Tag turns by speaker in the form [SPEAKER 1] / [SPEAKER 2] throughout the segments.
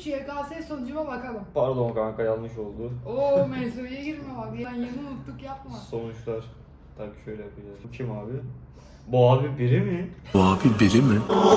[SPEAKER 1] 2023 YKS sonucuma bakalım.
[SPEAKER 2] Pardon kanka, yanlış oldu.
[SPEAKER 1] Oo mevzuya girme bak. Ben yeni unuttuk yapma.
[SPEAKER 2] Sonuçlar. Tak şöyle yapacağız. Bu kim abi? Bu abi biri mi?
[SPEAKER 3] Bu abi biri mi?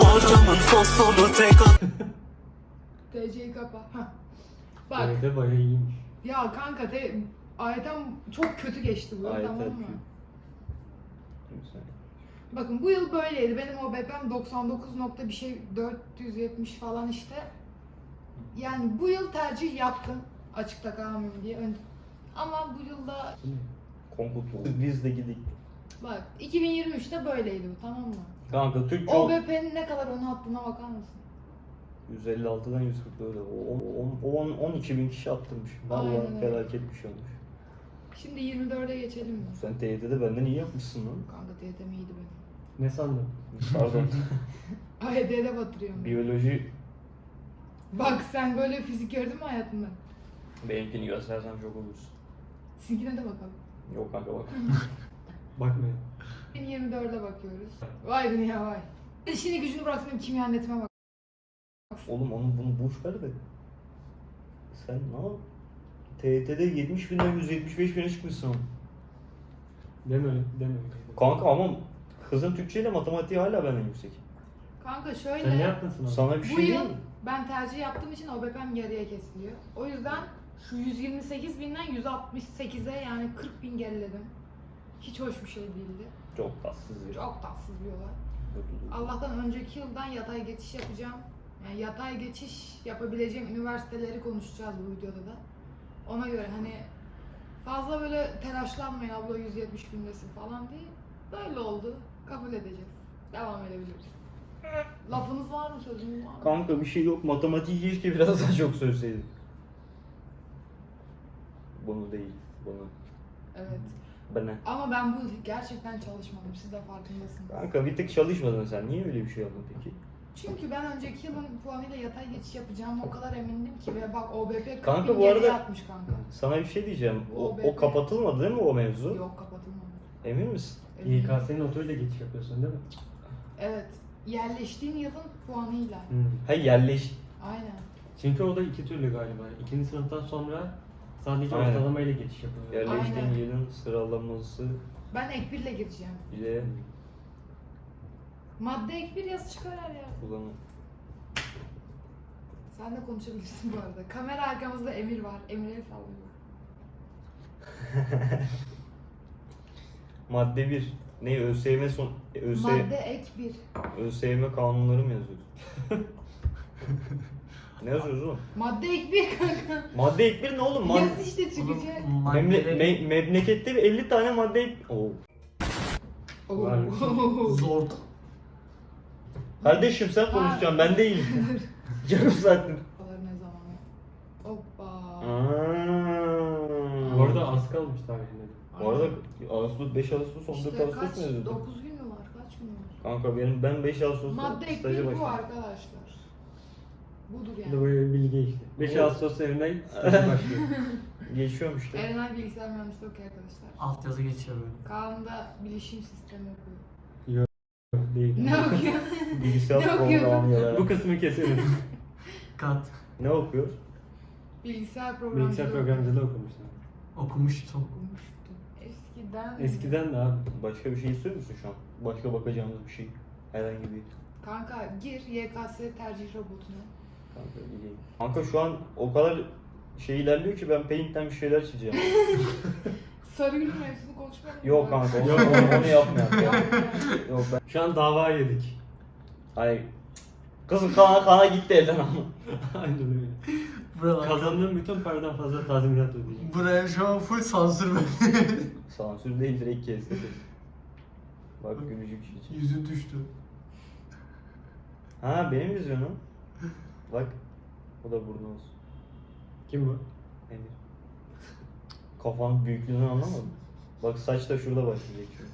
[SPEAKER 1] TC'yi kapa. Hah. Bak.
[SPEAKER 4] Evet de bayağı iyiymiş.
[SPEAKER 1] Ya kanka ayetem çok kötü geçti bu yıl,
[SPEAKER 2] Ayet
[SPEAKER 1] tamam mı?
[SPEAKER 2] etmiyor. Kimse.
[SPEAKER 1] Bakın bu yıl böyleydi. Benim OBP'm 99 nokta bir şey 470 falan işte. Yani bu yıl tercih yaptım. Açıkta kalmayayım diye. Ama bu yılda
[SPEAKER 2] Konkutu. Biz de gidik.
[SPEAKER 1] bak 2023'te böyleydi bu, tamam mı?
[SPEAKER 2] Kanka Türk çok...
[SPEAKER 1] OBP'nin ne kadar onu attığına bakar mısın?
[SPEAKER 2] 156'dan 144'e. 12 bin kişi attırmış. Vallahi
[SPEAKER 1] Aynen öyle.
[SPEAKER 2] felaket bir şey olmuş.
[SPEAKER 1] Şimdi 24'e geçelim mi?
[SPEAKER 2] Sen TYT'de benden iyi yapmışsın lan.
[SPEAKER 1] Kanka TYT'm iyiydi benim.
[SPEAKER 4] Ne sandın?
[SPEAKER 2] Pardon.
[SPEAKER 1] AYT'de batırıyorum.
[SPEAKER 2] Biyoloji
[SPEAKER 1] Bak sen böyle fizik gördün mü hayatında?
[SPEAKER 2] benimkini göstersen çok olursun.
[SPEAKER 1] Sizinkine de bakalım.
[SPEAKER 2] Yok kanka bak.
[SPEAKER 4] Bakmayın.
[SPEAKER 1] 2024'e bakıyoruz. Vay dünya vay. İşini gücünü bıraksın kimya netime bak.
[SPEAKER 2] Oğlum bunu boş ver de. Sen ne yap? TYT'de 70 binden 175 bine çıkmışsın.
[SPEAKER 4] Deme öyle, deme öyle.
[SPEAKER 2] Kanka ama kızın Türkçe ile matematiği hala benden yüksek.
[SPEAKER 1] Kanka
[SPEAKER 4] Sen ne
[SPEAKER 1] şöyle,
[SPEAKER 4] yaptın sınavda?
[SPEAKER 2] Sana bir
[SPEAKER 1] bu
[SPEAKER 2] şey diyeyim
[SPEAKER 1] yıl
[SPEAKER 2] mi?
[SPEAKER 1] ben tercih yaptığım için OBP'm geriye kesiliyor. O yüzden şu 128 binden 168'e yani 40 bin geriledim. Hiç hoş bir şey değildi.
[SPEAKER 2] Çok tatsız ya.
[SPEAKER 1] Çok tatsız bir olay. Allah'tan önceki yıldan yatay geçiş yapacağım. Yani yatay geçiş yapabileceğim üniversiteleri konuşacağız bu videoda da. Ona göre hani fazla böyle telaşlanmayın abla 170 bindesin falan diye. Böyle oldu. Kabul edeceğiz. Devam edebiliriz. Lafınız var mı, sözünüz var mı?
[SPEAKER 2] Kanka bir şey yok. Matematiği keşke biraz daha çok söyleseydin. Bunu değil. Bunu.
[SPEAKER 1] Evet.
[SPEAKER 2] Bana.
[SPEAKER 1] Ama ben bu yıl gerçekten çalışmadım. Siz de farkındasınız.
[SPEAKER 2] Kanka bir tık çalışmadın sen. Niye öyle bir şey yaptın peki?
[SPEAKER 1] Çünkü ben önceki yılın puanıyla yatay geçiş yapacağıma o kadar emindim ki ve bak OBP 40
[SPEAKER 2] Kanka
[SPEAKER 1] bin
[SPEAKER 2] bu arada-
[SPEAKER 1] geriye atmış kanka.
[SPEAKER 2] Sana bir şey diyeceğim. O
[SPEAKER 1] OBP.
[SPEAKER 2] kapatılmadı değil mi o mevzu?
[SPEAKER 1] Yok kapatılmadı.
[SPEAKER 2] Emin misin?
[SPEAKER 1] Eminim.
[SPEAKER 4] YKS'nin notuyla geçiş yapıyorsun değil mi?
[SPEAKER 1] Evet. Yerleştiğin yılın puanıyla.
[SPEAKER 2] Ha yerleş.
[SPEAKER 1] Aynen.
[SPEAKER 4] Çünkü o da iki türlü galiba. İkinci sınıftan sonra sadece
[SPEAKER 2] Aynen.
[SPEAKER 4] ortalamayla geçiş yapıyor.
[SPEAKER 2] Yerleştiğin
[SPEAKER 1] Aynen.
[SPEAKER 2] yerin sıralaması
[SPEAKER 1] Ben ek 1'le gireceğim.
[SPEAKER 2] ile
[SPEAKER 1] Madde ek 1 yazı çıkar her yer.
[SPEAKER 2] kullanım.
[SPEAKER 1] Sen de konuşabilirsin bu arada. Kamera arkamızda Emir var. Emir'e sallıyor.
[SPEAKER 2] Madde 1. Ne ÖSYM son
[SPEAKER 1] Madde ek 1.
[SPEAKER 2] ÖSYM kanunları mı yazıyoruz? Ne yazıyoruz oğlum?
[SPEAKER 1] Madde ek 1 kanka.
[SPEAKER 2] Madde ek 1 ne oğlum?
[SPEAKER 1] Yaz işte çıkacak.
[SPEAKER 2] Memlekette 50 tane madde ek... Oo.
[SPEAKER 4] Var.
[SPEAKER 3] Zor.
[SPEAKER 2] Kardeşim sen konuşacaksın, ben değilim. Yarım saattir.
[SPEAKER 1] Ne zaman? Hoppa.
[SPEAKER 4] Bu arada az kalmış tahminlerim.
[SPEAKER 2] Bu arada Ağustos 5 Ağustos 14
[SPEAKER 1] İşte
[SPEAKER 2] Ağustos
[SPEAKER 1] kaç?
[SPEAKER 2] mu yazıyordu?
[SPEAKER 1] 9 gün mü var? Kaç gün var?
[SPEAKER 2] Kanka ben 5 Ağustos'ta
[SPEAKER 1] Madde ek
[SPEAKER 2] staja
[SPEAKER 1] 1 bu
[SPEAKER 2] başladım.
[SPEAKER 1] arkadaşlar. Budur
[SPEAKER 4] Bu da
[SPEAKER 1] yani.
[SPEAKER 4] böyle bir bilgi işte. 5
[SPEAKER 2] Evet.
[SPEAKER 4] Ağustos evine stajı başlıyor.
[SPEAKER 2] Geçiyorum işte.
[SPEAKER 1] Erenay bilgisayar mühendisliği okuyor arkadaşlar.
[SPEAKER 3] Altyazı geçiyor böyle.
[SPEAKER 1] Kaan da bilişim sistemi okuyor.
[SPEAKER 4] Değil.
[SPEAKER 1] Ne okuyor?
[SPEAKER 2] Bilgisayar
[SPEAKER 1] Ne okuyordun?
[SPEAKER 2] programı
[SPEAKER 4] Bu kısmı keselim.
[SPEAKER 3] Kat.
[SPEAKER 2] Ne okuyor?
[SPEAKER 1] Bilgisayar programcılığı
[SPEAKER 4] Bilgisayar programcılığı okumuşlar.
[SPEAKER 3] Okumuştum.
[SPEAKER 1] okumuştum. Eskiden.
[SPEAKER 4] Eskiden de abi.
[SPEAKER 2] Başka bir şey istiyor musun şu an? Başka bakacağımız bir şey. Herhangi bir.
[SPEAKER 1] Kanka gir YKS tercih robotuna.
[SPEAKER 2] Kanka gideyim. Kanka şu an o kadar şey ilerliyor ki ben Paint'ten bir şeyler çizeceğim.
[SPEAKER 1] Sarıgül mevzusunu konuşmayalım mı?
[SPEAKER 2] Yok kanka onu yapmayalım.
[SPEAKER 1] Yok.
[SPEAKER 2] Yok ben.
[SPEAKER 4] Şu an dava yedik.
[SPEAKER 2] Hayır. Kızım kana gitti elden ama.
[SPEAKER 4] Aynen öyle.
[SPEAKER 3] Buralar.
[SPEAKER 4] Kazandığım bütün paradan fazla tazminat ödeyeceğim.
[SPEAKER 3] Buraya şu an full sansür böyle.
[SPEAKER 2] Sansür değil direkt kesti. Bak gülücük şey.
[SPEAKER 3] Yüzü düştü.
[SPEAKER 2] Ha benim vizyonum. Bak. O da burnu olsun.
[SPEAKER 4] Kim bu?
[SPEAKER 2] Emir. Kafanın büyüklüğünü anlamadın. Bak saç da şurada başlayacak şimdi.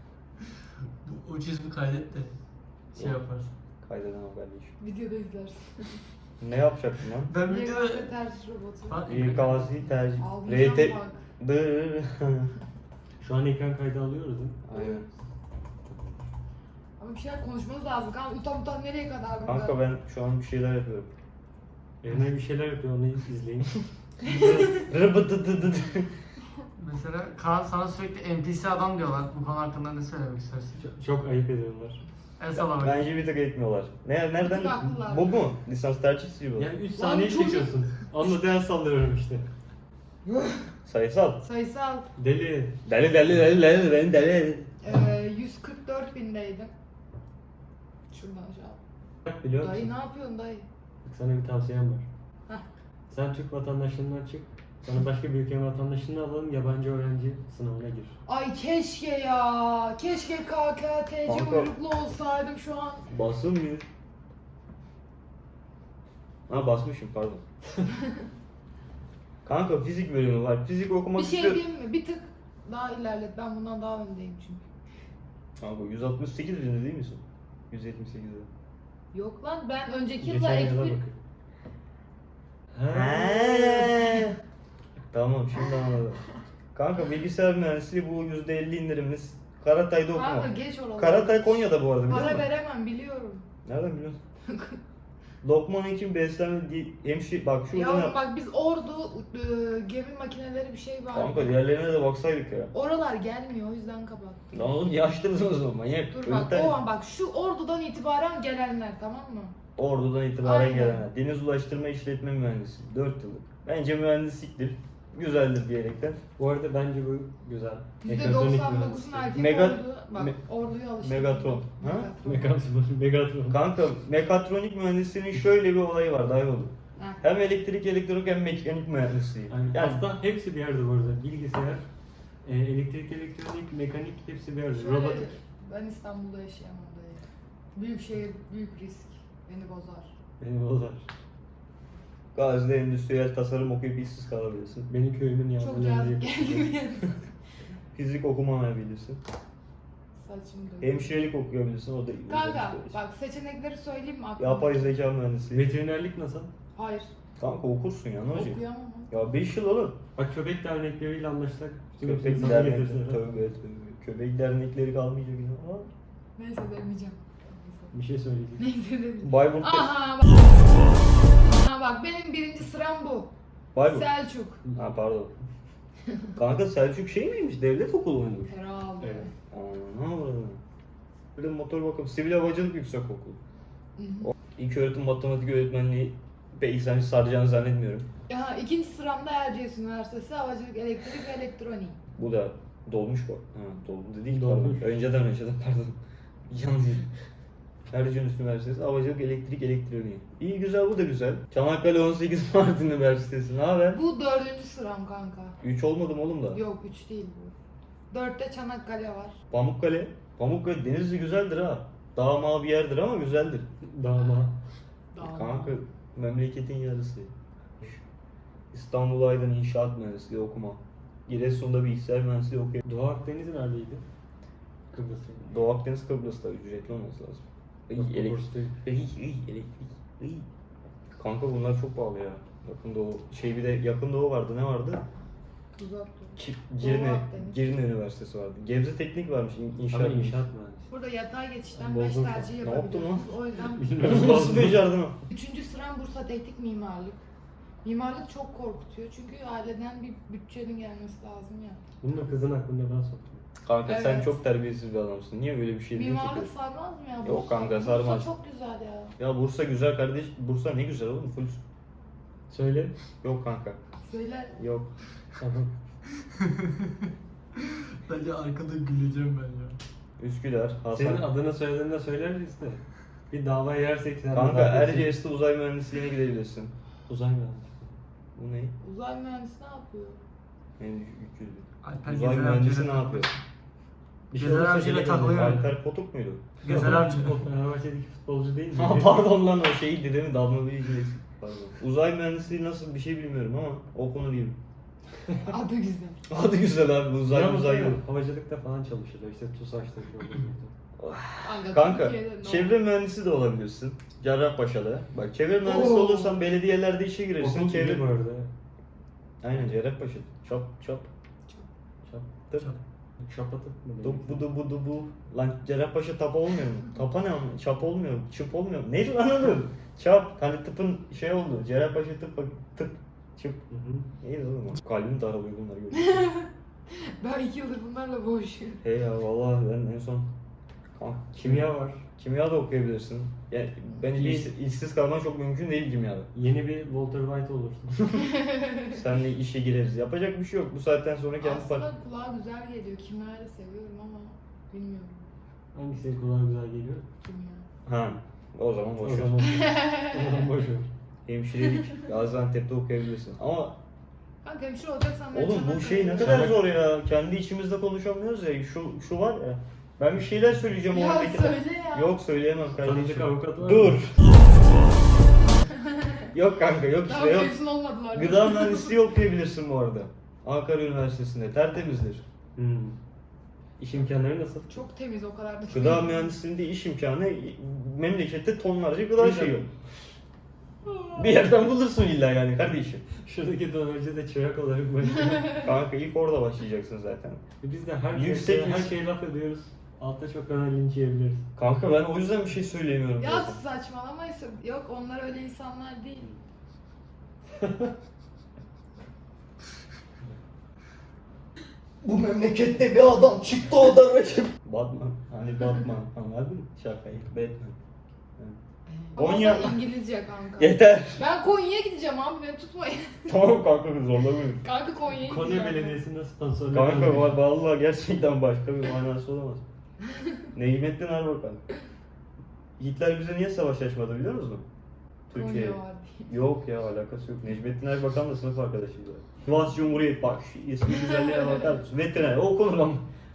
[SPEAKER 3] O çizimi kaydet de şey
[SPEAKER 2] Yok.
[SPEAKER 3] yaparsın.
[SPEAKER 2] Kaydeden o kardeşim.
[SPEAKER 1] Videoda izlersin.
[SPEAKER 2] Ne yapacaktın lan?
[SPEAKER 3] Ben videoda...
[SPEAKER 1] YKS tercih robotu.
[SPEAKER 3] Bak,
[SPEAKER 2] İKSİ tercih.
[SPEAKER 1] Almayacağım
[SPEAKER 2] RT...
[SPEAKER 1] bak.
[SPEAKER 2] Dı.
[SPEAKER 4] Şu an ekran kaydı alıyoruz değil mi?
[SPEAKER 2] Aynen.
[SPEAKER 1] Ama bir şeyler konuşmamız lazım. Kanka utan nereye kadar?
[SPEAKER 2] Kanka ben şu an bir şeyler yapıyorum.
[SPEAKER 4] Evine bir şeyler yapıyor, onu izleyin.
[SPEAKER 2] Rıbıdıdıdıdı.
[SPEAKER 3] Mesela Kaan sana sürekli NPC adam diyorlar. Bu konu hakkında ne söylemek istersin?
[SPEAKER 4] Çok ayıp ediyorlar.
[SPEAKER 3] En son olarak.
[SPEAKER 2] Bence bir tık etmiyorlar. Nereden?
[SPEAKER 1] Bir tık haklılar.
[SPEAKER 2] Bu mu? Lisans tercihsi bu.
[SPEAKER 4] Yani 3
[SPEAKER 1] Lan
[SPEAKER 4] saniye
[SPEAKER 1] çocuk-
[SPEAKER 4] çekiyorsun. Onunla ders sallıyorum işte.
[SPEAKER 2] Sayısal.
[SPEAKER 1] Sayısal
[SPEAKER 4] Deli.
[SPEAKER 2] Deli beni deli.
[SPEAKER 1] 144 bindeydim. Şuradan aşağı.
[SPEAKER 4] Bak biliyor
[SPEAKER 1] Dayı
[SPEAKER 4] musun?
[SPEAKER 1] ne yapıyorsun dayı?
[SPEAKER 4] Bak sana bir tavsiyem var.
[SPEAKER 1] Heh.
[SPEAKER 4] Sen Türk vatandaşlığından çık. Sonra başka bir ülkenin vatandaşlığını alalım, yabancı öğrenci sınavına gir.
[SPEAKER 1] Ay keşke ya. Keşke KKTC
[SPEAKER 2] Kanka.
[SPEAKER 1] uyruklu olsaydım şu an.
[SPEAKER 2] Basılmıyor. Ha basmışım pardon. Kanka fizik bölümü var. Fizik okumak
[SPEAKER 1] Bir şey
[SPEAKER 2] istiyorum.
[SPEAKER 1] diyeyim mi? Bir tık daha ilerlet. Ben bundan daha öndeyim çünkü.
[SPEAKER 2] Kanka 168 binde değil misin? 178'de.
[SPEAKER 1] Yok lan ben önceki yılda
[SPEAKER 4] Geçen
[SPEAKER 1] ek
[SPEAKER 4] yıla
[SPEAKER 1] bir...
[SPEAKER 4] bakın.
[SPEAKER 2] He. Tamam şimdi anladım. Kanka bilgisayar mühendisliği bu %50 indirimimiz. Karatay'da
[SPEAKER 1] Kanka
[SPEAKER 2] okuma.
[SPEAKER 1] geç oraları.
[SPEAKER 2] Karatay Konya'da bu arada biliyor
[SPEAKER 1] Para
[SPEAKER 2] musun?
[SPEAKER 1] veremem biliyorum.
[SPEAKER 2] Nereden biliyorsun? Lokman için beslenme hemşire bak şurada
[SPEAKER 1] Yavrum
[SPEAKER 2] ne?
[SPEAKER 1] bak biz Ordu gemi makineleri bir şey var.
[SPEAKER 2] Kanka diğerlerine de baksaydık ya.
[SPEAKER 1] Oralar gelmiyor o yüzden kapattım.
[SPEAKER 2] Lan oğlum yaşlısın o zaman manyak.
[SPEAKER 1] Dur bak o an bak şu Ordu'dan itibaren gelenler tamam mı?
[SPEAKER 2] Ordu'dan itibaren
[SPEAKER 1] Aynen.
[SPEAKER 2] gelenler. Deniz Ulaştırma İşletme Mühendisi. 4 yıllık. Bence mühendisliktir. Güzeldir diyerekten.
[SPEAKER 4] Bu arada bence bu güzel.
[SPEAKER 1] %99'un erkek
[SPEAKER 2] Mega-
[SPEAKER 1] Ordu. Bak Ordu'yu alıştırdım.
[SPEAKER 2] Megatron. Ha?
[SPEAKER 4] Megatron.
[SPEAKER 2] Kanka mekatronik mühendisliğinin şöyle bir olayı var dayıoğlu.
[SPEAKER 1] Heh.
[SPEAKER 2] Hem elektrik, elektronik hem mekanik mühendisliği.
[SPEAKER 4] Yani
[SPEAKER 2] Yani
[SPEAKER 4] aslında hepsi bir yerde bu arada. Bilgisayar, elektrik, elektronik, mekanik hepsi bir yerde.
[SPEAKER 1] Şöyle,
[SPEAKER 4] Robotik.
[SPEAKER 1] ben İstanbul'da yaşayamam dayı. Büyük şehir, büyük risk. Beni bozar.
[SPEAKER 4] Beni bozar.
[SPEAKER 2] Gazi'de endüstriyel tasarım okuyup işsiz kalabilirsin.
[SPEAKER 4] Benim köyümün
[SPEAKER 1] Çok
[SPEAKER 4] yağmurlarını
[SPEAKER 1] cazip geldi bir yana.
[SPEAKER 2] Fizik okumayabilirsin.
[SPEAKER 1] Saçım dönüyor.
[SPEAKER 2] Hemşirelik okuyabilirsin. O da
[SPEAKER 1] Kanka
[SPEAKER 2] güzel bir şey.
[SPEAKER 1] bak seçenekleri söyleyeyim mi aklıma?
[SPEAKER 2] Yapay zeka mühendisliği.
[SPEAKER 4] Veterinerlik nasıl?
[SPEAKER 1] Hayır.
[SPEAKER 2] Kanka okursun ya ne olacak?
[SPEAKER 1] Okuyamam.
[SPEAKER 2] Ya 5 yıl oğlum.
[SPEAKER 4] Bak köpek dernekleriyle anlaşsak. bütün
[SPEAKER 2] Köpek
[SPEAKER 4] sana
[SPEAKER 2] dernekleri,
[SPEAKER 4] getirsinler.
[SPEAKER 2] tövbe tövbe. Köpek dernekleri kalmayacak yine. Aa.
[SPEAKER 1] Neyse demeyeceğim.
[SPEAKER 4] Bir şey söyleyecek.
[SPEAKER 1] Neyse demeyeceğim.
[SPEAKER 2] Bayburt'ta.
[SPEAKER 1] Aha bak. Aha bak benim birinci sıram bu.
[SPEAKER 2] Bayburt.
[SPEAKER 1] Selçuk.
[SPEAKER 2] Ha pardon. Kanka Selçuk şey miymiş? Devlet okulu muymuş?
[SPEAKER 1] Herhalde.
[SPEAKER 4] Evet.
[SPEAKER 2] Ana burada. Bir de motor bakım, sivil havacılık yüksek okul.
[SPEAKER 1] Hı hı.
[SPEAKER 2] İlk öğretim matematik öğretmenliği pek seni saracağını zannetmiyorum.
[SPEAKER 1] Ya ikinci sıramda Erciyes Üniversitesi Havacılık, Elektrik ve Elektronik.
[SPEAKER 2] Bu da dolmuş bu. Ha doldu değil
[SPEAKER 4] Dolmuş.
[SPEAKER 2] pardon. Önceden pardon. Yanlış. Erciyes Üniversitesi Havacılık Elektrik Elektroniği. İyi güzel bu da güzel. Çanakkale 18 Mart Üniversitesi. Ne haber?
[SPEAKER 1] Bu dördüncü sıram kanka.
[SPEAKER 2] 3 olmadım oğlum da.
[SPEAKER 1] Yok 3 değil bu. 4'te Çanakkale var.
[SPEAKER 2] Pamukkale. Pamukkale Denizli güzeldir ha. Dağ mağ bir yerdir ama güzeldir.
[SPEAKER 4] Dağma.
[SPEAKER 2] Kanka memleketin yarısı. İstanbul Aydın İnşaat Mühendisliği okuma. Giresun'da bilgisayar mühendisliği okuyor.
[SPEAKER 4] Doğu Akdeniz neredeydi? Kıbrıs'ta.
[SPEAKER 2] Doğu Akdeniz Kıbrıs'ta ücretli olması lazım.
[SPEAKER 4] Yok,
[SPEAKER 2] Elektrik.
[SPEAKER 4] Kıbrıs değil.
[SPEAKER 2] Elektrik. Kanka bunlar çok pahalı ya. Yakın Doğu. Şey bir de Yakın Doğu vardı. Ne vardı?
[SPEAKER 1] Uzak dur.
[SPEAKER 2] Girne,
[SPEAKER 1] Akdeniz.
[SPEAKER 2] Girne Üniversitesi vardı. Gebze Teknik varmış. İnşaat.
[SPEAKER 4] Ama inşaat mühendisi.
[SPEAKER 1] Burada yatay geçişten
[SPEAKER 4] Bozdum.
[SPEAKER 1] 5 tercih
[SPEAKER 2] Ne yaptın lan?
[SPEAKER 1] yapabiliyorsunuz. O yüzden
[SPEAKER 4] Bilmiyorum.
[SPEAKER 2] Nasıl becerdin o?
[SPEAKER 1] 3. sıram Bursa Teknik Mimarlık. Mimarlık çok korkutuyor çünkü aileden bir bütçenin gelmesi lazım ya.
[SPEAKER 4] Bunu da kızın aklına ben soktum.
[SPEAKER 2] Kanka sen
[SPEAKER 1] Evet.
[SPEAKER 2] çok terbiyesiz bir adamsın. Niye böyle bir şey diyorsun ki?
[SPEAKER 1] Mimarlık sarmaz mı ya?
[SPEAKER 2] Yok kanka, sarmaz.
[SPEAKER 1] Bursa çok güzel ya.
[SPEAKER 2] Ya Bursa güzel kardeş. Bursa ne güzel oğlum. Full.
[SPEAKER 4] Söyle.
[SPEAKER 2] Yok kanka.
[SPEAKER 1] Söyle.
[SPEAKER 2] Yok.
[SPEAKER 4] Tamam.
[SPEAKER 3] Bence arkada güleceğim ben ya.
[SPEAKER 2] Üsküdar,
[SPEAKER 4] Senin
[SPEAKER 2] Hasan.
[SPEAKER 4] adını söylediğinde söyleriz de. Bir dava yersek sen
[SPEAKER 2] Kanka
[SPEAKER 4] de daha
[SPEAKER 2] Erciyes'te uzay mühendisliğine gidebilirsin.
[SPEAKER 4] Uzay mühendisi.
[SPEAKER 2] Bu ne?
[SPEAKER 1] Uzay mühendisi ne yapıyor?
[SPEAKER 2] Ne 300.
[SPEAKER 3] Alper
[SPEAKER 2] Uzay
[SPEAKER 3] Gezer
[SPEAKER 2] mühendisi
[SPEAKER 3] Avcı'yla
[SPEAKER 2] ne yapıyor?
[SPEAKER 4] Bir şey
[SPEAKER 3] Gezer
[SPEAKER 4] olursa
[SPEAKER 3] Avcı'yla
[SPEAKER 4] gene
[SPEAKER 3] takılıyor.
[SPEAKER 4] geliriz.
[SPEAKER 2] Alper Potuk muydu?
[SPEAKER 3] Gezer Avcı.
[SPEAKER 4] O Fenerbahçe'deki futbolcu değil mi?
[SPEAKER 2] Ha pardon lan o şeydi değil mi? Damla Bilgili. Pardon. Uzay mühendisliği nasıl bir şey bilmiyorum ama okunur gibi.
[SPEAKER 1] Adı güzel.
[SPEAKER 2] Adı güzel abi uzay
[SPEAKER 4] Ama
[SPEAKER 2] uzay
[SPEAKER 4] sonra
[SPEAKER 2] yok.
[SPEAKER 4] Havacılıkta falan çalışıyorlar. İşte TUSAŞ'ta
[SPEAKER 2] Kanka
[SPEAKER 1] Türkiye'de ne
[SPEAKER 2] çevre mühendisi de olabilirsin. Cerrahpaşa'da. Bak çevre mühendisi
[SPEAKER 1] Oo.
[SPEAKER 2] olursan belediyelerde işe girersin.
[SPEAKER 4] Okul
[SPEAKER 2] Çevre...
[SPEAKER 4] gibi bu arada.
[SPEAKER 2] Aynen Cerrahpaşa. Çap çap. Çap. Tıp.
[SPEAKER 4] Şapatıp mı?
[SPEAKER 2] Dup bu. Lan Cerrahpaşa tapa olmuyor mu? Tapa ne ama? Çap olmuyor mu? Çıp olmuyor mu? Neydi lan oğlum? Çap. Hani tıpın şey oldu. Cerrahpaşa tıp. Çıp.
[SPEAKER 4] Hı hı.
[SPEAKER 2] Neydi oğlum o? Kalbim daralıyor bunları görünce.
[SPEAKER 1] Ben 2 yıldır bunlarla boğuşuyorum.
[SPEAKER 2] Hey ya vallahi ben en son
[SPEAKER 4] Kimya var.
[SPEAKER 2] kimya da okuyabilirsin. Yani bence işsiz kalman çok mümkün değil kimyada.
[SPEAKER 4] Yeni bir Walter White olursun.
[SPEAKER 2] Seninle işe gireriz. Yapacak bir şey yok. Bu saatten sonra kendi
[SPEAKER 1] Aslında kulağa güzel geliyor. Kimyayı da seviyorum ama bilmiyorum.
[SPEAKER 4] Hangisi kulağa güzel geliyor?
[SPEAKER 1] Kimya.
[SPEAKER 2] Ha. O zaman boş
[SPEAKER 4] O
[SPEAKER 2] ver.
[SPEAKER 4] zaman, o zaman boş ver.
[SPEAKER 2] Hemşirelik Gaziantep'te okuyabilirsin. Ama
[SPEAKER 1] Kanka hemşire olacaksan ben
[SPEAKER 2] oğlum bu
[SPEAKER 1] Çanakkale'ye
[SPEAKER 2] şey ne
[SPEAKER 1] gideceğim.
[SPEAKER 2] kadar zor ya. Kendi içimizde konuşamıyoruz ya. Şu var ya. Ben bir şeyler söyleyeceğim
[SPEAKER 1] Ya
[SPEAKER 2] oradaki.
[SPEAKER 1] söyle ya.
[SPEAKER 2] Yok söyleyemem
[SPEAKER 4] Tanıdık
[SPEAKER 2] kardeşim.
[SPEAKER 4] avukat var mı?
[SPEAKER 2] Dur. Yok kanka yok
[SPEAKER 1] Daha
[SPEAKER 2] işte yok.
[SPEAKER 1] mezun olmadılar.
[SPEAKER 2] Gıda mühendisliği okuyabilirsin bu arada. Ankara Üniversitesi'nde tertemizdir.
[SPEAKER 4] Hmm. İş imkanları nasıl?
[SPEAKER 1] Çok temiz o kadar da.
[SPEAKER 2] Gıda mühendisliğinde iş imkanı memlekette tonlarca gıda
[SPEAKER 4] Güzel.
[SPEAKER 2] şeyi yok. Bir yerden bulursun illa yani kardeşim.
[SPEAKER 4] Şuradaki dönerci de çırak olarak başlıyor.
[SPEAKER 2] Kanka ilk orada başlayacaksın zaten.
[SPEAKER 4] Biz de her
[SPEAKER 2] Yüksek
[SPEAKER 4] her
[SPEAKER 2] risk.
[SPEAKER 4] şeye laf ediyoruz. Altta çok fena linç yiyebiliriz.
[SPEAKER 2] Kanka ben o yüzden bir şey söyleyemiyorum
[SPEAKER 1] Ya
[SPEAKER 2] zaten.
[SPEAKER 1] saçmalamayın. Yok onlar öyle insanlar değil.
[SPEAKER 2] Bu memlekette bir adam çıktı o da rakip. Batman. Hani Batman anladın mı? Şakayı. Batman. Konya.
[SPEAKER 1] Ama İngilizce kanka.
[SPEAKER 2] Yeter.
[SPEAKER 1] Ben Konya'ya gideceğim abi beni tutmayın.
[SPEAKER 2] Tamam kanka zorlamayın.
[SPEAKER 1] Kanka Konya'ya gideceğim.
[SPEAKER 4] Konya Belediyesi'nde sponsorluk
[SPEAKER 2] Kanka
[SPEAKER 4] alıyor.
[SPEAKER 2] vallahi gerçekten başka bir manası olamaz. Necmettin Erbakan. Hitler bize niye savaş açmadı biliyor musun? Türkiye'ye.
[SPEAKER 1] Konya var diye.
[SPEAKER 2] Yok ya alakası yok. Necmettin Erbakan'la sınıf arkadaşıydı. Sivas Cumhuriyet bak şu ismi güzelliğe bakar mısın? Veteriner o konudan.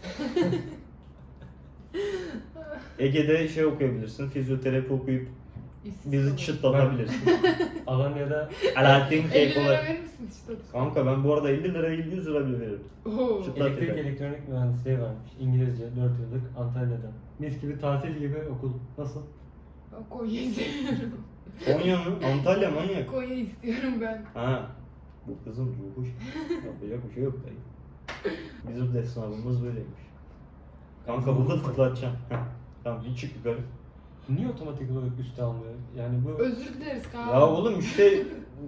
[SPEAKER 2] Ege'de şey okuyabilirsin, fizyoterapi okuyup
[SPEAKER 1] İşsiz
[SPEAKER 2] bizi
[SPEAKER 1] kalın.
[SPEAKER 2] çıtlatabilirsin.
[SPEAKER 4] Alanya'da
[SPEAKER 2] Alaaddin
[SPEAKER 1] 50
[SPEAKER 2] Keykolar.
[SPEAKER 1] lira verir misin işte?
[SPEAKER 2] Kanka ben bu arada 50 lira değil 100 lira bile veririm.
[SPEAKER 1] Oo.
[SPEAKER 2] Çıt-
[SPEAKER 4] elektrik
[SPEAKER 2] Zaten.
[SPEAKER 4] elektronik mühendisliği varmış. İngilizce 4 yıllık Antalya'da. Mis gibi tatil gibi okul. Nasıl?
[SPEAKER 1] Ben Konya'yı seviyorum.
[SPEAKER 2] Konya mı? Antalya manyak.
[SPEAKER 1] Konya istiyorum ben.
[SPEAKER 2] Ha. Bu kızın ruhu yapacak bir şey yok dayı. Bizim de sınavımız böyleymiş. Kanka burada tıklatacağım. Heh. Tamam bir çık yukarı.
[SPEAKER 4] Niye otomatik olarak üste almıyor? Yani bu
[SPEAKER 1] Özür dileriz kanka.
[SPEAKER 2] Ya oğlum işte...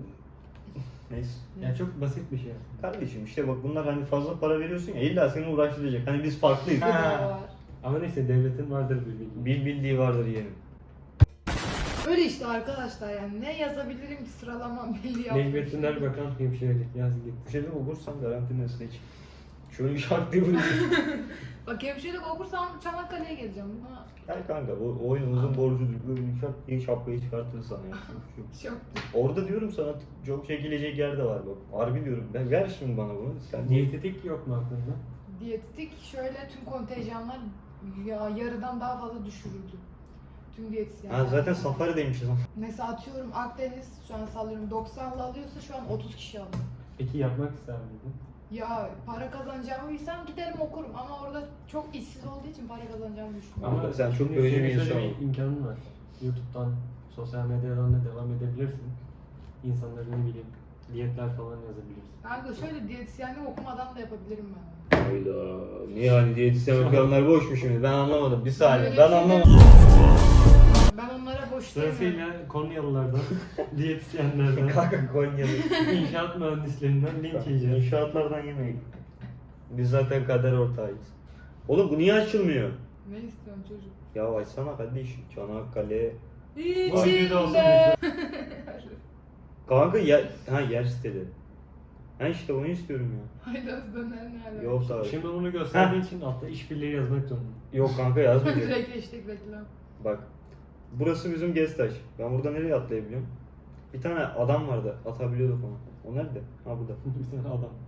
[SPEAKER 2] Neyse.
[SPEAKER 4] yani çok basit bir şey.
[SPEAKER 2] Kardeşim işte bak bunlar hani fazla para veriyorsun ya illa seni uğraştıracak. Hani biz farklıyız.
[SPEAKER 1] Bu da var.
[SPEAKER 4] Ama neyse devletin vardır bir bilgi.
[SPEAKER 2] Bildiği vardır yeğenim.
[SPEAKER 1] Öyle işte arkadaşlar yani ne yazabilirim ki sıralamam belli yaptım.
[SPEAKER 4] Necmettin Erbakan hemşirelik yaz git.
[SPEAKER 2] Bu şeyden okursan garantinin üstüne çık. Şöyle bir şart diye vurayım.
[SPEAKER 1] Bak hemşirelik okursam Çanakkale'ye geleceğim. Buna
[SPEAKER 2] Gel kanka bu oyunumuzun borcudur. Böyle bir şart diye şapkayı çıkartır sana ya.
[SPEAKER 1] çok
[SPEAKER 2] Orada diyorum sana çok çekilecek yer de var bak. Harbi diyorum. Ben ver şimdi bana bunu. Sen
[SPEAKER 4] Diyetetik yok mu aklında?
[SPEAKER 1] diyetetik şöyle tüm kontenjanlar ya yarıdan daha fazla düşürüldü. Tüm diyetisyenler.
[SPEAKER 2] Ha zaten safarideymişiz ama.
[SPEAKER 1] Mesela atıyorum Akdeniz şu an sallıyorum 90'la alıyorsa şu an 30 kişi alıyor.
[SPEAKER 4] Peki yapmak ister miydin?
[SPEAKER 1] Ya para kazanacağımı bilsem giderim okurum ama orada çok işsiz olduğu için para kazanacağımı düşünmüyorum.
[SPEAKER 2] Ama sen çok
[SPEAKER 4] şimdi
[SPEAKER 2] görücü
[SPEAKER 4] senin
[SPEAKER 2] bir
[SPEAKER 4] şöyle
[SPEAKER 2] insan
[SPEAKER 4] bir imkanın var. YouTube'dan, sosyal medyadan da devam edebilirsin. İnsanların ne bileyim diyetler falan yazabilirsin.
[SPEAKER 1] Kanka şöyle diyetisyenlik okumadan da yapabilirim ben.
[SPEAKER 2] Hayda. Niye hani diyetisyen okuyanlar boş mu şimdi? Ben anlamadım. Bir saniye.
[SPEAKER 1] Öyle
[SPEAKER 2] Ben
[SPEAKER 1] bir şey
[SPEAKER 2] anlamadım.
[SPEAKER 1] Ben onlara boş demiyorum.
[SPEAKER 4] Sırasıyla Konyalılardan, diyetisyenlerden,
[SPEAKER 2] Kanka Konya'da.
[SPEAKER 4] inşaat mühendislerinden linç yiyeceğiz.
[SPEAKER 2] İnşaatlardan yemeyin. Biz zaten kader ortağıyız. Oğlum bu niye açılmıyor?
[SPEAKER 1] Ne istiyorsun çocuk?
[SPEAKER 2] Ya açsana kardeşim. Çanakkale.
[SPEAKER 4] Bu videoda olsun
[SPEAKER 1] İçinde.
[SPEAKER 2] Kanka yer siteli. Ha işte onu istiyorum ya.
[SPEAKER 1] Haydaz döner nerede?
[SPEAKER 2] Yok abi.
[SPEAKER 4] Şimdi onu gösterdiğin için altta işbirliği yazmak zorunda.
[SPEAKER 2] Yok kanka yazmayacak.
[SPEAKER 1] Direkt hashtag reklam.
[SPEAKER 2] Bak. Burası bizim Gestaş. Ben burada nereye atlayabiliyorum? Bir tane adam vardı. Atabiliyorduk onu. O nerede? Ha burada.
[SPEAKER 4] Bir tane adam.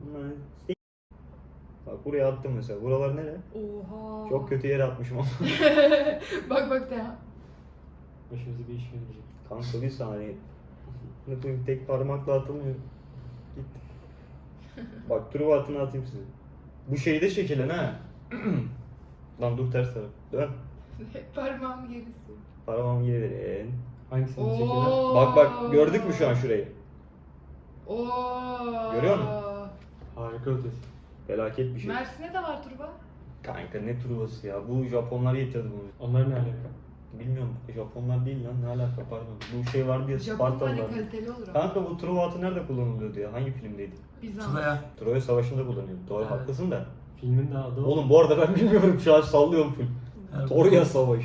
[SPEAKER 2] Bak buraya attım mesela. Buralar nere?
[SPEAKER 1] Oha.
[SPEAKER 2] Çok kötü yere atmışım ama.
[SPEAKER 1] bak ya.
[SPEAKER 4] Başımıza bir iş gelecek.
[SPEAKER 2] Kanka bir saniye. Ne koyayım tek parmakla atılmıyor. Git. Bak Truva atını atayım size. Bu şeyi de çekilen ha. Lan dur ters taraf. Dön.
[SPEAKER 1] Parmağımı gerisi.
[SPEAKER 2] Parmağımı geri verin.
[SPEAKER 4] Hangisini
[SPEAKER 1] Oo.
[SPEAKER 4] çekelim?
[SPEAKER 2] Bak gördük mü şu an şurayı?
[SPEAKER 1] Oo.
[SPEAKER 2] Görüyor musun?
[SPEAKER 4] Harika ötesi.
[SPEAKER 2] Felaket bir şey.
[SPEAKER 1] Mersin'e de var turba.
[SPEAKER 2] Kanka ne Truvası ya. Bu Japonlar getirdi bunu.
[SPEAKER 4] Onlar ne alaka?
[SPEAKER 2] Bilmiyorum. Japonlar değil lan. Ne alaka pardon. Bu şey vardı ya
[SPEAKER 1] Japon hani
[SPEAKER 2] Spartalılar.
[SPEAKER 1] kaliteli olur ama.
[SPEAKER 2] Kanka bu Truva atı nerede kullanılıyordu ya? Hangi filmdeydi?
[SPEAKER 1] Bizans.
[SPEAKER 3] Troya.
[SPEAKER 2] Troya Savaşı'nda kullanıyordu. Doğru
[SPEAKER 3] Evet.
[SPEAKER 2] haklısın da.
[SPEAKER 4] Filmin de adı o.
[SPEAKER 2] Oğlum bu arada ben bilmiyorum şu an sallıyorum full.
[SPEAKER 3] Evet.
[SPEAKER 2] Troya Savaşı.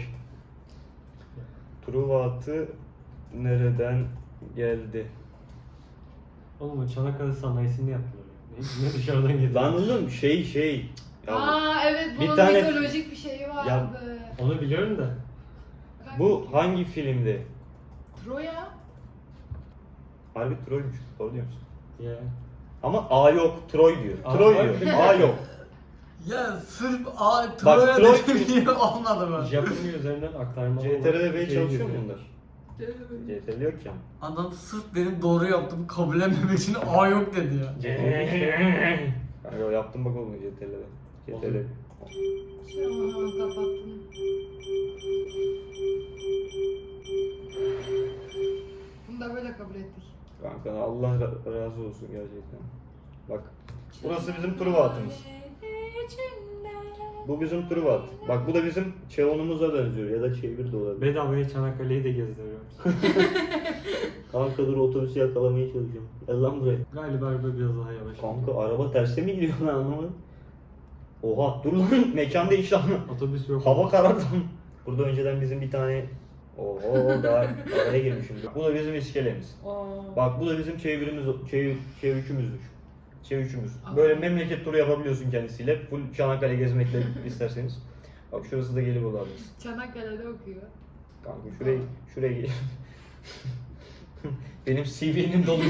[SPEAKER 2] Truva atı nereden geldi?
[SPEAKER 4] Oğlum o Çanakkale sanayisini yaptılar. Ne dışarıdan getirdi.
[SPEAKER 2] Lan oğlum şey. Ya
[SPEAKER 1] Aa evet
[SPEAKER 2] Bir
[SPEAKER 1] bunun
[SPEAKER 2] tane-
[SPEAKER 1] mitolojik bir şeyi vardı.
[SPEAKER 4] Onu biliyorum da.
[SPEAKER 2] bu hangi filmdi?
[SPEAKER 1] Troya.
[SPEAKER 2] Harbi Troy'muş. Doğru diyor musun?
[SPEAKER 4] Ya.
[SPEAKER 2] Ama A yok, Troy diyor.
[SPEAKER 4] Aa,
[SPEAKER 2] Troy
[SPEAKER 4] harbi
[SPEAKER 2] diyor.
[SPEAKER 4] mi?
[SPEAKER 2] A yok.
[SPEAKER 3] Ya sırf Troya
[SPEAKER 2] Troy-
[SPEAKER 3] dedim diye olmadı mı?
[SPEAKER 4] Japonya üzerinden aktarma.
[SPEAKER 2] CTRL Bey
[SPEAKER 4] Şey
[SPEAKER 2] çalışıyor mu
[SPEAKER 4] giriyor.
[SPEAKER 2] bunlar? CTRL yok ya.
[SPEAKER 3] Adam sırf benim doğru yaptığımı kabullenmemek için A yok dedi ya.
[SPEAKER 2] Kanka yaptım bak oğlum CTRL'de. CTRL.
[SPEAKER 1] Aha kapattım. Bunu da böyle kabul ettik.
[SPEAKER 2] Kanka Allah razı olsun gerçekten. Bak burası bizim Truva atımız. Bu bizim Truva at. Bak bu da bizim Çevon'umuza benziyor ya da çevir de olabilir.
[SPEAKER 4] Bedavaya Çanakkale'yi de gezdiriyoruz.
[SPEAKER 2] Kanka dur otobüsü yakalamaya çalışıyorum. Gel lan buraya.
[SPEAKER 4] Galiba araba biraz daha yavaş.
[SPEAKER 2] Kanka araba terse mi gidiyor lan anlamadım. Oha dur lan mekan değişti ama.
[SPEAKER 4] Otobüs yok.
[SPEAKER 2] Hava karardı. Burada önceden bizim bir tane oho daha araya girmişim. Bu da bizim iskelemiz. Bak bu da bizim çevirikimizdür. Çevirikimiz. Böyle memleket turu yapabiliyorsun kendisiyle. Full Çanakkale gezmekle isterseniz. Bak şurası da Gelibolu adası.
[SPEAKER 1] Çanakkale'de okuyor.
[SPEAKER 2] Kanka şuraya gel. Benim CV'nin dolu.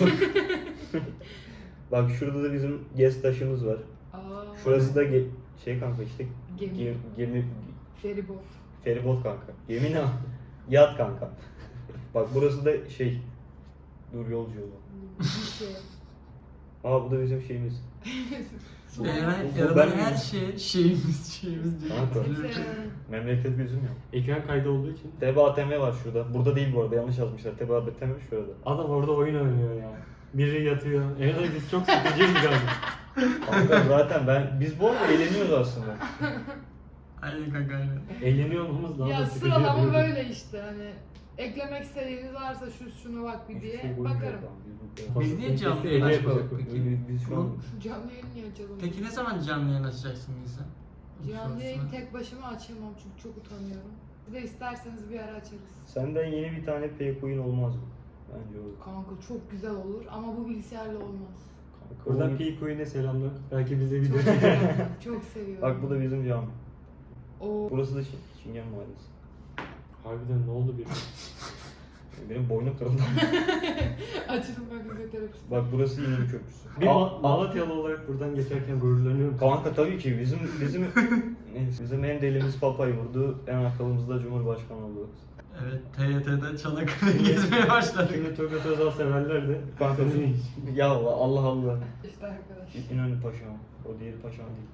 [SPEAKER 2] Bak şurada da bizim gez taşımız var.
[SPEAKER 1] Aa,
[SPEAKER 2] Şurası da şey kanka işte
[SPEAKER 1] Gemi.
[SPEAKER 2] gemi
[SPEAKER 1] feribot.
[SPEAKER 2] feribot kanka. Gemi ne? Yat kanka. Bak burası da şey dur yolcu yolu.
[SPEAKER 1] Bir şey.
[SPEAKER 2] Aa bu da bizim şeyimiz.
[SPEAKER 3] Yani
[SPEAKER 2] Bu
[SPEAKER 3] arabanın
[SPEAKER 2] ben-
[SPEAKER 3] her şeyimiz diyor.
[SPEAKER 2] Kanka.
[SPEAKER 1] Kimse-
[SPEAKER 2] Memleket bizim ya.
[SPEAKER 4] Ekran kaydı olduğu için.
[SPEAKER 2] TBATM var şurada. Burada değil bu arada yanlış yazmışlar. TBATM şurada.
[SPEAKER 4] Adam orada oyun oynuyor ya. Biri yatıyor. Evet biz çok sıkıcıyız galiba.
[SPEAKER 2] Kanka zaten biz bu arada eğleniyoruz aslında.
[SPEAKER 3] Aynen kanka aynen.
[SPEAKER 4] Eğleniyor olmamız daha
[SPEAKER 1] Ya
[SPEAKER 4] da sıkıcı.
[SPEAKER 1] sıralama
[SPEAKER 4] yapıyor.
[SPEAKER 1] böyle işte hani eklemek istediğiniz varsa şuna bak bir diye
[SPEAKER 2] Hiçbir şey
[SPEAKER 1] bakarım.
[SPEAKER 2] koymuyor lan,
[SPEAKER 3] Biz niye canlı
[SPEAKER 4] Kesin
[SPEAKER 3] yayın
[SPEAKER 4] ele
[SPEAKER 3] açmadık
[SPEAKER 4] yapacak.
[SPEAKER 3] peki?
[SPEAKER 2] Biz şu an
[SPEAKER 1] Canlı yayın niye açalım?
[SPEAKER 3] Peki ne zaman canlı yayın açacaksın Nisa?
[SPEAKER 1] Canlı yayın tek başıma açamam çünkü çok utanıyorum. Bir de isterseniz bir ara açarız.
[SPEAKER 2] senden yeni bir tane pay olmaz mı? Bence olur.
[SPEAKER 1] Kanka çok güzel olur ama bu bilgisayarla olmaz.
[SPEAKER 2] Kanka,
[SPEAKER 4] Buradan
[SPEAKER 2] oyun-
[SPEAKER 4] P-Coin'e selamlar. Belki bize video
[SPEAKER 1] Çok
[SPEAKER 4] çeker.
[SPEAKER 1] seviyorum. Çok seviyorum.
[SPEAKER 2] Bak bu da bizim cami.
[SPEAKER 1] Oo.
[SPEAKER 2] Burası da Çingen Mahallesi.
[SPEAKER 4] Harbiden ne oldu bir?
[SPEAKER 2] Benim boynum kırıldı.
[SPEAKER 1] Açılım ben fizyoterapist.
[SPEAKER 2] Bak burası yine bir köprüsü.
[SPEAKER 4] Bir
[SPEAKER 2] Aa,
[SPEAKER 4] Malatyalı olarak buradan geçerken gururlanıyorum.
[SPEAKER 2] Kanka tabii ki bizim en delimiz Papa'yı vurdu. En akıllımız da Cumhurbaşkanı oldu.
[SPEAKER 3] Evet TYT'de Çanakkale'yi gezmeye başladık.
[SPEAKER 4] Şimdi Turgut Özal severler de.
[SPEAKER 2] Kanka ya Allah Allah.
[SPEAKER 1] İşte arkadaş.
[SPEAKER 2] İnönü Paşa. O diğeri Paşa değil.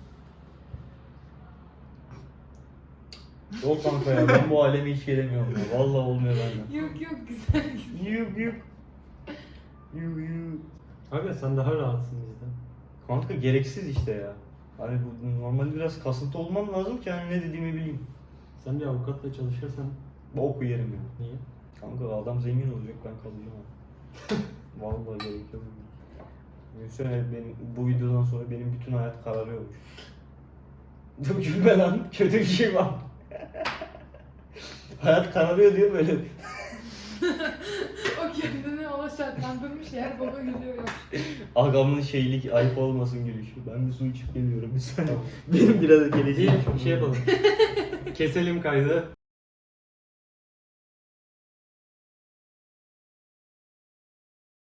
[SPEAKER 2] Yok kanka ya ben bu aleme hiç gelemiyorum ya. Vallahi olmuyor benden.
[SPEAKER 1] Yok yok güzel güzel.
[SPEAKER 2] Yuk yuk. Yuk yuk.
[SPEAKER 4] Abi sen daha rahatsın bizden.
[SPEAKER 2] Kanka gereksiz işte ya. Hani bu normalde biraz kasıntı olmam lazım ki hani ne dediğimi bileyim.
[SPEAKER 4] Sen bir avukatla çalışırsan
[SPEAKER 2] Boku yerim ya.
[SPEAKER 4] niye?
[SPEAKER 2] Kanka adam zengin olacak ben kalacağım abi. Vallahi gerek yok. Düşünsene bu videodan sonra benim bütün hayat kararıyormuş. Dur gülme lan kötü bir şey var. Hayat kararıyor diyor böyle.
[SPEAKER 1] O kendini ona şartlandırmış yer baba gülüyor ya.
[SPEAKER 2] Agamın şeylik ayıp olmasın gülüşü. Ben bir su içip geliyorum bir saniye. Benim biraz geleceğim.
[SPEAKER 4] Bir şey yapalım. Keselim kaydı.